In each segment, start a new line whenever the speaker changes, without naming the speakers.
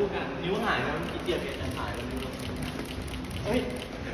กอ่ะนิ้วหายแล้วมันขี้เกียจเปลี่ยนจะหายแล้วนิ้วเฮ้ย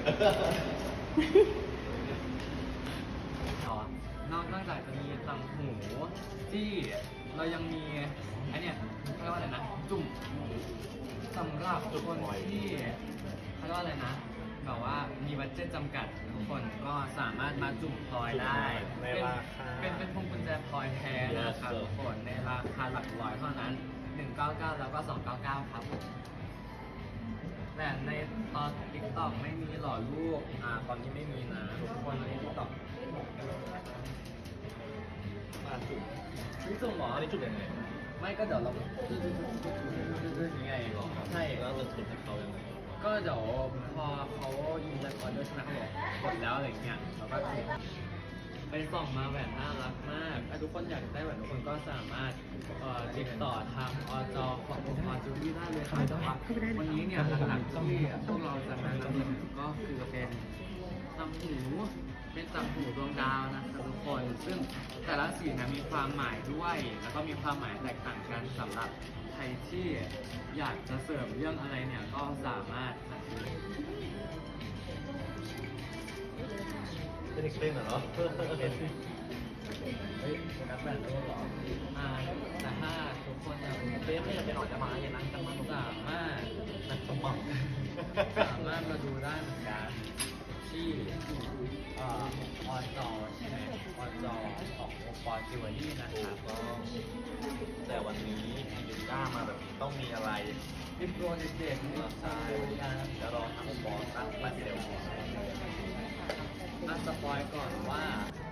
นอกจากจะมีต่างหูที่เรายังมีไอเนี่ยเขาเรียกว่าอะไรนะจุ่มสำหรับคนที่เขาเรียกว่าอะไรนะแบบว่ามีบัดเจ็ตจำกัดทุกคนก็สามารถมาจุ่มพลอยได้เป็นพวงกุญแจพลอยแท้นะครับทุกคนในราคาหลักร้อยเท่านั้น199แล้วก็299ครับผมแต่ในตอน TikTok ไม่มีหล่อลูกตอนนี้ไม่มีนะทุกคนใน TikTok จุ่มหรอ
อันนี้จุดยังไง
ไม่ก็เดี๋ยวเรายังไงใช่
แล้วจะจุดให้เขายังไง
ก็เดี๋ยวพอเขายิงแล้วก่อนด้วยใช่ไหมเขาบอกกดแล้วอะไรเงี้ยเราก็ไปส่องมาแหวนน่ารักมากถ้าทุกคนอยากได้แหวนทุกคนก็สามารถติดต่อทางอจขององค์กรจูดี้ได้เลยครับแต่ว่าวันนี้เนี่ยหลักๆที่พวกเราจะมานำเสนอก็คือเป็นต่างหูเป็นต่างหูดวงดาวนะครับทุกคนซึ่งแต่ละสีนะมีความหมายด้วยแล้วก็มีความหมายแตกต่างกันสำหรับใครที่อยากจะเสริมเรื่องอะไรเนี่ยก็สามารถสั่งซื้อ
เป็นเด็กเต้นเหรอ
เฮ้ยนักแบดรู้หรอแต่ถ้าทุกคนอยากเต้นไม่อยากไปออกจะมาอย่างนั้นจะมาสามารถนักสมองสามารถมาดูได้เหมือนกันที่ออนจอใช่ไหมออนจอขององค์กรจิวเวลรี่นะครับก็
แต่วันนี้ยูก้ามาแบบนี้ต้องมีอะไร
มีโปรเจกต์มีสายการ
แล้วรอทำบอสตั้งมาเซลล์
สปอยก่อนว่า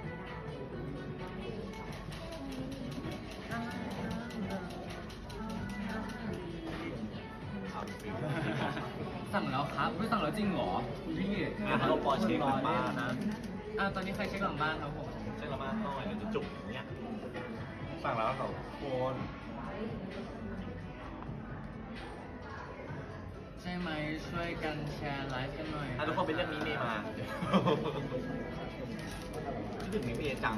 สั่งแล้วครับไม่สั่งแล้วจริงเหรอคุณพี่
เราปอเช็คหลังบ้านนะ
ตอนนี้ใครเช็คหลังบ้านครับผม
เช็คหลังบ้านหน่อยเดี๋ยวจะจุกอย่างเงี้ยสั่งแล้วสองคน
ใช่ไหมช่วยกันแชร์ไลฟ์กันหน่อย
ทุกคนเป็นเรื่องนี้เมย์มาคิดถึงนี้เมย์จัง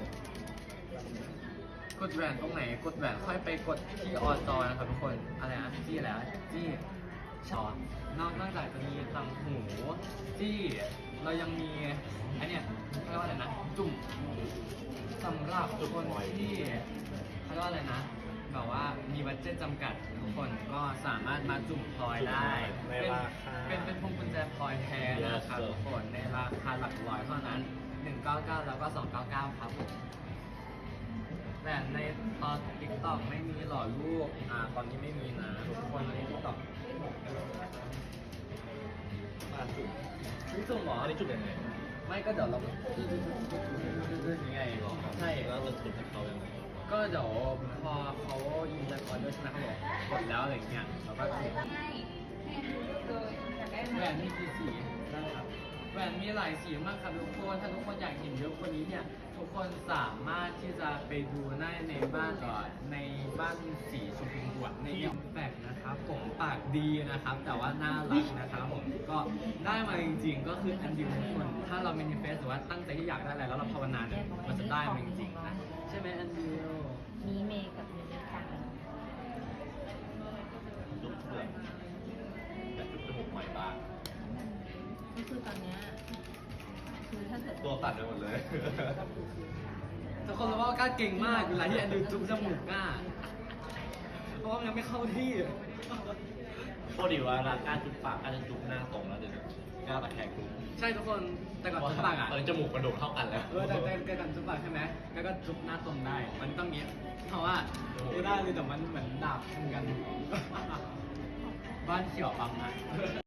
กดแหวนตรงไหนกดแหวนค่อยไปกดที่ออจอนะครับทุกคนอะไรนะจี้อะไรนะจี้ชอนอกจากจะมีต่างหูที่เรายังมีไอเนี่ยเขาเรียกว่าอะไรนะจุ่มสำหรับคนที่เขาเรียกว่าอะไรนะแบบว่ามีบัดเจ็ตจำกัดทุกคนก็สามารถมาจุ่มพลอยได้เป็นพวงกุญแจพลอยแท้นะครับทุกคนในราคาหลักร้อยเท่านั้น199แล้วก็299ครับผมแต่ในตอน TikTok ไม่มีหล่อลูกตอนนี้ไม่มีนะทุกคนใน TikTok จุ่มหรอ
อันนี้จุดยังไง
ไม่ก็เดี๋ยวเรายังไงใช่
แล้วจะจุดให้เขายังไง
ก็เดี๋ยวพอเขายิงแล้วก่อนด้วยใช่ไหมเขาบอกกดแล้วอะไรเงี้ยเราก็ถูกแหวนมีกี่สีนะครับแหวนมีหลายสีมากครับทุกคนถ้าทุกคนอยากเห็นเยอะกว่านี้เนี่ยทุกคนสามารถที่จะไปดูได้ในบ้านในบ้านสีชมพูบวกในอิมแพคนะครับผมปากดีนะครับแต่ว่าน่ารักนะครับผมก็ได้มาจริงๆก็คืออันเดียวทุกคนถ้าเราเมนิเฟสหรือว่าตั้งใจที่อยากได้อะไรแล้วเราภาวนาเนี่ยมันจะได้มาจริงๆนะใช่ไหมอันเดียว
มีเมย์กับมีค่ะ
จุดเพื่อนแต่จุดจมูกใหม่บ้าง
ก็คือตอนเนี้ยคือถ้าเกิด
ตัวตัดไปหมดเลย
ทุกคนรู้ว่ากล้าเก่งมากเวลาที่อันดูจุ๊บจมูกกล้าเพราะว่ามันยังไม่เข้าที่
โคตรดีว่านะการจุดปากการจะจุดหน้าตรงแล้วเดี๋ยวก้าวตะแคงจุด
ใช่ทุกคนแต่ก่อนจุ๊บปากอ่ะ
จมูกกระโดดเท่ากันแล้ว
แต่ก่อนจุ๊บปากใช่ไหมแล้วก็จุ๊บหน้าตรงได้ มันต้องเงี้ยเพราะว่าไม่ได้เลยแต่มันเหมือนดาบทำกัน บ้านเขียวปังอ่ะ